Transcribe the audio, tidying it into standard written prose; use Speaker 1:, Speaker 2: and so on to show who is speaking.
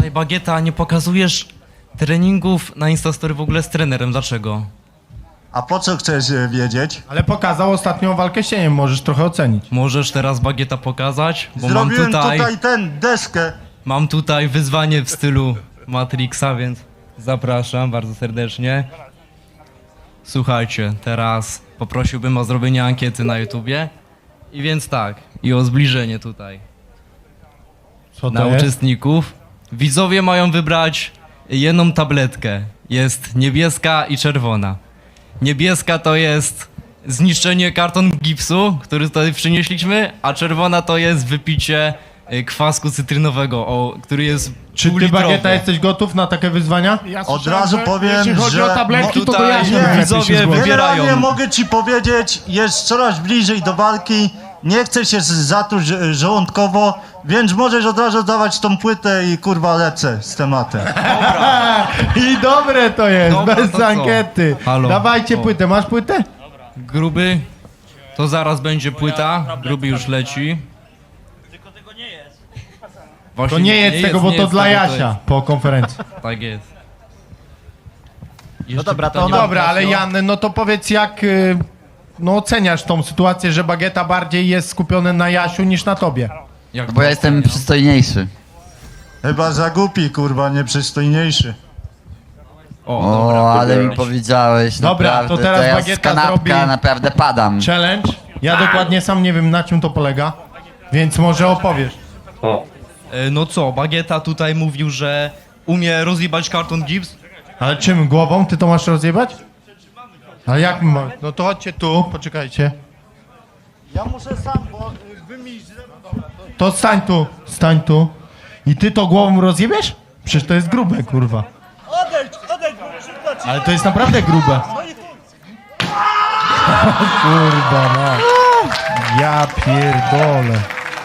Speaker 1: Słuchaj, Bagieta, nie pokazujesz treningów na Instastory w ogóle z trenerem, dlaczego?
Speaker 2: A po co chcesz wiedzieć?
Speaker 3: Ale pokazał ostatnią walkę z cieniem, możesz trochę ocenić.
Speaker 1: Możesz teraz, Bagieta, pokazać? Bo
Speaker 2: Zrobiłem tutaj deskę.
Speaker 1: mam tutaj wyzwanie w stylu Matrixa, więc zapraszam bardzo serdecznie. Słuchajcie, teraz poprosiłbym o zrobienie ankiety na YouTubie. I więc tak, i o zbliżenie tutaj
Speaker 3: Co
Speaker 1: na
Speaker 3: to jest?
Speaker 1: uczestników. Widzowie mają wybrać jedną tabletkę. Jest niebieska i czerwona. Niebieska to jest zniszczenie karton gipsu, który tutaj przynieśliśmy, a czerwona to jest wypicie kwasku cytrynowego, który jest
Speaker 3: Czy ty,
Speaker 1: półlitrowy.
Speaker 3: Bagieta, jesteś gotów na takie wyzwania?
Speaker 4: Ja
Speaker 2: Od
Speaker 4: słyszałem,
Speaker 2: razu
Speaker 4: że
Speaker 2: powiem,
Speaker 4: jeśli chodzi
Speaker 2: że
Speaker 4: o tabletki, to
Speaker 1: tutaj
Speaker 4: ja się
Speaker 2: nie,
Speaker 1: widzowie
Speaker 3: zgłosić.
Speaker 1: wybierają.
Speaker 2: Generalnie mogę ci powiedzieć, jest coraz bliżej do walki. Nie chcę się zatruć żołądkowo, więc możesz od razu dawać tą płytę i kurwa lecę z tematem.
Speaker 3: I dobre to jest,
Speaker 1: Dobra,
Speaker 3: bez
Speaker 1: to co?
Speaker 3: ankiety.
Speaker 1: Halo.
Speaker 3: Dawajcie
Speaker 1: O.
Speaker 3: płytę, masz płytę?
Speaker 1: Gruby, to zaraz będzie płyta, gruby już leci.
Speaker 5: Tylko tego nie jest.
Speaker 1: Właśnie
Speaker 3: To nie jedz tego, bo to
Speaker 1: jest
Speaker 3: dla
Speaker 1: tego,
Speaker 3: Jasia po konferencji.
Speaker 1: Tak jest.
Speaker 2: No dobra, to
Speaker 1: pytanie
Speaker 2: ona-
Speaker 1: od
Speaker 3: Dobra, ale
Speaker 1: Kasio.
Speaker 3: Jan, no to powiedz jak no oceniasz tą sytuację, że Bagieta bardziej jest skupiony na Jasiu niż na tobie.
Speaker 1: Jak
Speaker 6: Bo ja jestem przystojniejszy.
Speaker 2: Chyba za głupi, kurwa, nieprzystojniejszy.
Speaker 6: O, ale mi powiedziałeś,
Speaker 3: Dobra,
Speaker 6: naprawdę,
Speaker 3: to teraz
Speaker 6: ja z
Speaker 3: Bagieta
Speaker 6: kanapka
Speaker 3: zrobi-
Speaker 6: naprawdę padam.
Speaker 3: Challenge. Ja dokładnie sam nie wiem, na czym to polega, więc może opowiesz.
Speaker 1: No co, Bagieta tutaj mówił, że umie rozjebać karton gips.
Speaker 3: Ale czym, głową? Ty to masz rozjebać? Ale jak my mamy? No to chodźcie tu, poczekajcie.
Speaker 2: Ja muszę sam, bo wy mi źle...
Speaker 3: To stań tu. I ty to głową rozjebiesz? Przecież to jest grube, kurwa.
Speaker 5: Odejdź, bo szybko ci.
Speaker 3: Ale to jest naprawdę grube. Kurwa, no. Ja pierdolę.